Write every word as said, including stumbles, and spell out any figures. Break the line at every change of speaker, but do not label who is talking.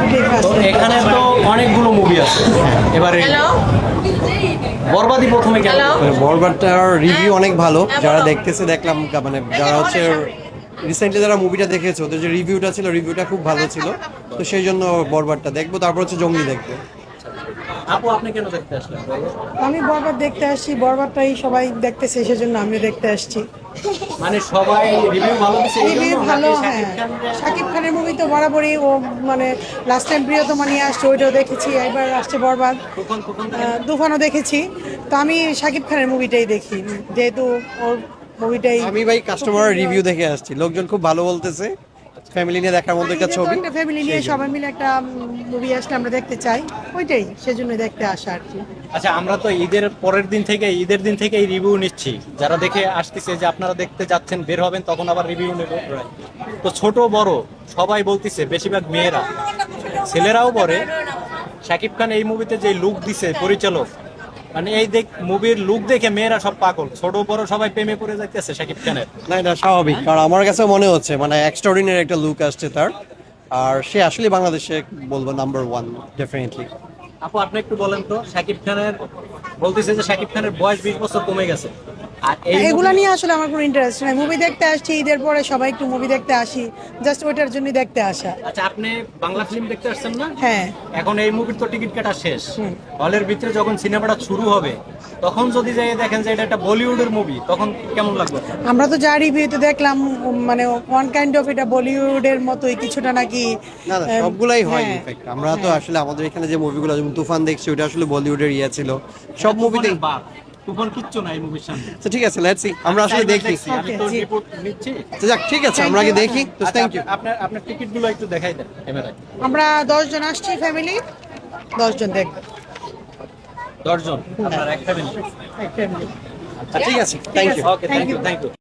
তো এখানে তো অনেকগুলো মুভি আছে এবারে বরবাদি প্রথমে কেন?
বরবাদটার রিভিউ অনেক ভালো, যারা দেখতেছে দেখলাম, মানে যারা হচ্ছে রিসেন্টলি যারা মুভিটা দেখেছে ওদের যে রিভিউটা ছিল রিভিউটা খুব ভালো ছিল, তো সেই জন্য বরবাদটা দেখবো, তারপর হচ্ছে জঙ্গলি দেখবো।
আপু আপনি কেন দেখতে আসলেন?
আমি বরবাদ দেখতে আসছি, বরবাদটাই সবাই দেখতেছে সেজন্য আমিও দেখতে আসছি।
মানে সবাই রিভিউ ভালো দিছে এই
রিভিউ
জন্য
ভালো,
নাকি
হ্যাঁ।
শাকিব খানের?
শাকিব খানের মুভি তো বরাবরই ও মানে লাস্ট টাইম প্রিয়তমা নিয়ে আসছে, ওইটাও দেখেছি, এবার আসছে বরবাদ,
তুফান তুফান
আহ, তুফানও দেখেছি। তো আমি শাকিব খানের মুভিটাই দেখি, যেহেতু ওর মুভিটাই।
আমি ভাই কাস্টমার রিভিউ দেখে আসছি, লোকজন খুব ভালো বলতেছে, ফ্যামিলি নিয়ে দেখার মতো একটা ছবি।
একটা ফ্যামিলি নিয়ে সবাই মিলে একটা মুভি আসলে আমরা দেখতে চাই, ওইটাই সেজন্য দেখতে আসা আর কি।
আচ্ছা, আমরা তো ঈদের পরের দিন থেকে ঈদের দিন থেকে রিভিউ নিচ্ছি, যারা দেখে আসতেছে যে আপনারা দেখতে যাচ্ছেন, বের হবেন তখন আবার রিভিউ নেব। তো ছোট বড় সবাই বলতেছে, বেশিরভাগ মেয়েরা, ছেলেরাও বলে শাকিব খান এই মুভিতে যে লুক দিছে পরিচালক, মানে এই দেখ মুভির লুক দেখে মেয়েরা সব পাগল, ছোট বড় সবাই প্রেমে পড়ে যাইতেছে শাকিব খানের।
না, এটা স্বাভাবিক, কারণ আমার কাছে মনে হচ্ছে মানে এক্সট্রাঅর্ডিনারি একটা লুক আসছে তার, আর সে আসলে বাংলাদেশে বলবো নাম্বার ওয়ান ডেফিনেটলি।
আপু আপনি একটু বলেন তো, শাকিব খানের বলতেছে যে শাকিব খানের বয়স বিশ বছর কমে গেছে, আর এই
এগুলা নিয়ে আসলে আমার কোনো ইন্টারেস্ট নাই। মুভি দেখতে আসছি, ঈদের পরে সবাই একটু মুভি দেখতে আসি, জাস্ট ওইটার জন্যই দেখতে আসা।
আচ্ছা, আপনি বাংলা ফিল্ম দেখতে আসছেন না?
হ্যাঁ।
এখন এই মুভির তো টিকিট কাটা শেষ, হলের ভিতরে যখন সিনেমাটা শুরু হবে তখন যদি যাই দেখেন যে এটা একটা বলিউডের মুভি, তখন কেমন লাগবে?
আমরা তো যা রিভিউতে দেখলাম, উম, মানে ওয়ান কাইন্ড অফ এটা বলিউডের মতোই কিছুটা নাকি।
না না,
আহ,
সবগুলাই হয়
হ্যাঁ।
ইনফ্যাক্ট। আমরা তো আসলে আমাদের এখানে যে মুভিগুলো, যেমন তুফান দেখছি, ওটা আসলে বলিউডের ইয়ে ছিল, সব মুভিতেই।
তুফানের বাপ, তুফান কিচ্ছু না এই মুভির সামনে।
তো ঠিক আছে, লেটস সি, আমরা আসলে দেখি।
আমি তো রিপোর্ট নিচ্ছি।
তো যাক, ঠিক আছে, আমরা আগে দেখি। তো
আচ্ছা,
থ্যাংক ইউ।
আপনার আপনার টিকিটগুলো একটু দেখাই দেন ক্যামেরায়।
আমরা দশ জন আসছি, ফ্যামিলি দশ জন দেখব।
দশজন আপনার এক ফ্যামিলি?
এক ফ্যামিলি।
ঠিক আছে, thank you.
Okay, thank you, thank you.